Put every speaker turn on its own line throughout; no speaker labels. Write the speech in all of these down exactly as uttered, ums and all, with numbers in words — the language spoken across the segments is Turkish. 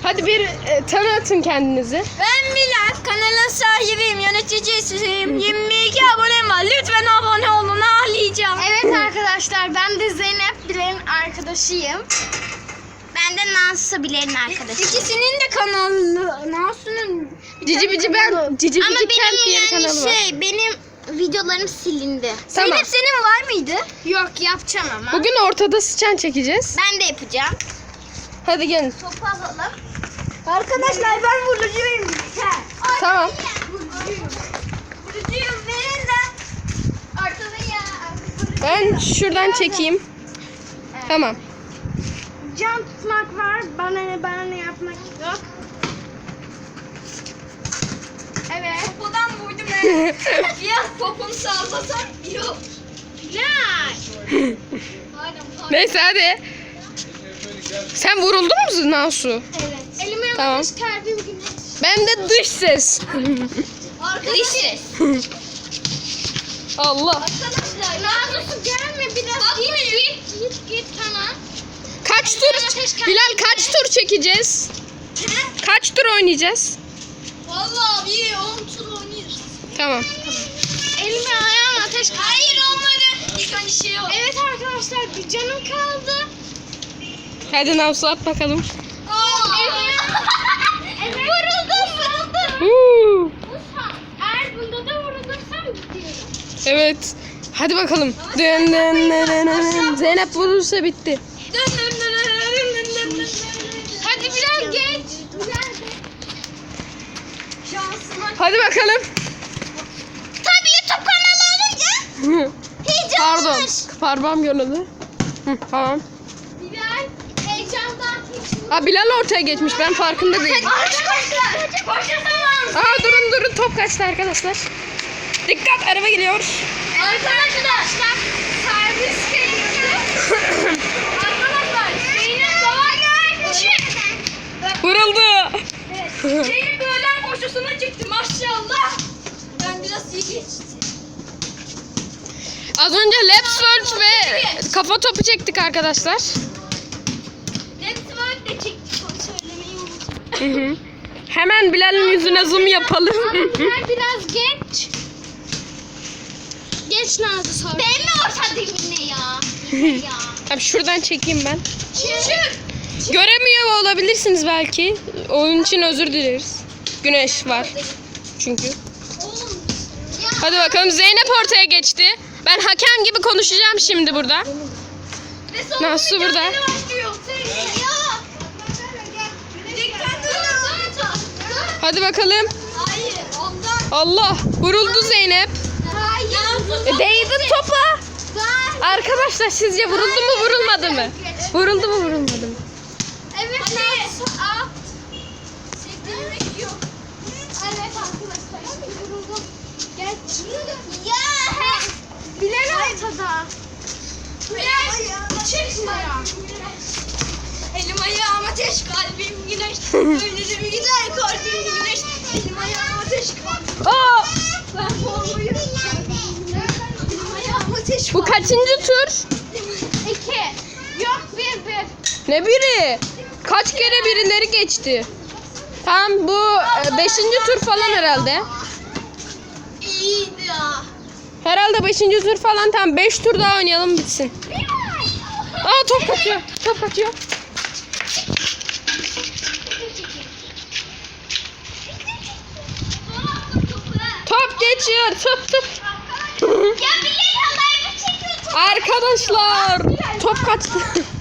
Hadi bir e, tanıtın kendinizi.
Ben Bilal, kanalın sahibiyim, yöneticisiyim. yirmi iki abonem var. Lütfen abone olun, ağlayacağım.
Evet arkadaşlar, ben de Zeynep Bilal'in arkadaşıyım. Ben de Nansı Bilal'in arkadaşıyım.
İkisinin de kanalı. Nasu'nun
Cici Bici ben Cici
Ama
Bici Kent
benim
diye bir
yani
kanalı var.
şey, benim videolarım silindi.
Tamam.
Zeynep senin var mıydı?
Yok, yapacağım ama.
Bugün ortada sıçan çekeceğiz.
Ben de yapacağım.
Hadi gelin.
Topu alalım.
Arkadaşlar ben vurucuyum.
Tamam.
Vurucuyum, verin de.
Ortada ya.
Ben şuradan çekeyim. Tamam.
Can tutmak var. Bana bana ne yapmak yok. Evet.
Popodan vurdum ben. Ya poponu sallasan yok.
Ne?
Neyse hadi. Sen vuruldun mu Nasu?
Evet. Elime
Tamam.
yapmış kalbim güneş.
Ben de dış ses.
Arkadaşlar.
Allah.
Arkadaşlar.
Nazosu gelme biraz. Git git git git tamam.
Kaç tur? Bilal kaç tur çekeceğiz? Kaç tur oynayacağız?
Vallahi bir on tur oynayırız.
Tamam.
Elime ayağıma ateş kaldı.
Hayır olmadı. İlk önce şey yok.
Evet arkadaşlar, bir canım kaldı.
Hadi Nasu at bakalım.
Evet. Vuruldum vuruldum.
Huu.
Eğer bunda da vurulursam gidiyorum.
Evet. Hadi bakalım. Dön, dön, dön, dön, dön. Zeynep vurursa bitti.
Hadi biraz geç.
Şansıma.
Hadi bakalım.
Tabii YouTube kanalı olunca
Pardon.
heyecanlanır.
Parmağım yoruldu. Hı, tamam.
Bilal heyecandan hiç.
Ha Bilal ortaya geçmiş. Ben farkında değilim.
Arkadaşlar. Koşuyorsunuz.
Aa durun durun, top kaçtı arkadaşlar. Dikkat, araba geliyor.
Arkadaşlar. Servis geliyor. Arkadaşlar. Zeynep sağa gelmiş.
Vuruldu.
Zeynep öğlen koşusuna çıktı maşallah. Ben biraz iyi geçtim.
Az önce Let's World ve kafa topu çektik arkadaşlar.
Let's work de çektik, onu söylemeyi unuttum.
Hı hı. Hemen Bilal'in yüzüne zoom yapalım.
Bilal biraz geç. Geç Nazlı sonra. Ben mi ortadayım yine ya? ya.
Tabii şuradan çekeyim ben.
Çık.
Göremiyor olabilirsiniz belki. Onun için özür dileriz. Güneş var çünkü.
Oğlum.
Hadi bakalım, Zeynep ortaya geçti. Ben hakem gibi konuşacağım şimdi burada.
Ve sonra
Nasıl burada?
mücadele başlıyor. Ya. Dikkatli olun.
Hadi bakalım.
Hayır ondan.
Allah, vuruldu Zeynep.
Hayır.
E, değdi topa. Arkadaşlar sizce vuruldu mu vurulmadı mı? Vuruldu mu vurulmadı mı?
Evet
Hadi.
Nazlı. Aa.
Sektirmek yok.
Evet arkadaşlar. Şimdi vuruldum. Geç. Ya. Bilal ortada.
Bilal. Çıkma ya. Elim ayağım ateş, kalbim güneş. Ölürüm gider kalbim güneş. Elim ayağım ateş, kalbim.
Aa,
Ben formayı. Elim ayağım ateş.
bu kaçıncı tur?
İki. Yok bir bir.
Ne biri? Kaç kere birileri geçti? Tamam, bu e, beşinci tur falan herhalde.
İyiydi ya.
Herhalde beşinci tur falan, tamam beş tur daha oynayalım bitsin. Aa, top kaçıyor. Top kaçıyor. Top geçiyor. Tıp tıp.
Ya Bilal halayı çekiyor.
Arkadaşlar, top kaçtı.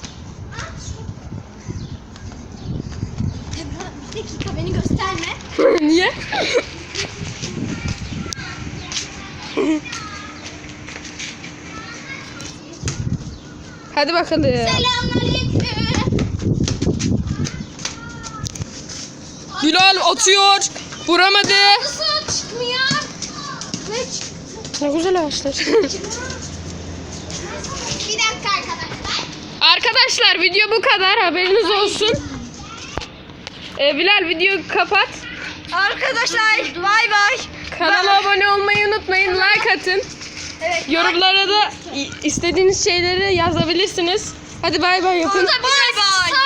Bir dakika, beni gösterme.
Niye? Hadi bakalım.
Selamünaleyküm.
Bilal atıyor. Vuramadı.
Nasıl çıkmıyor? Ne çıktı?
Ne güzel ağaçlar.
Bir dakika arkadaşlar.
Arkadaşlar, video bu kadar. Haberiniz olsun. Ee, Bilal, videoyu kapat.
Arkadaşlar bay bay.
Kanala abone olmayı unutmayın. Like atın.
Evet.
Yorumlara da istediğiniz şeyleri yazabilirsiniz. Hadi bay bay yapın.
Bay bay.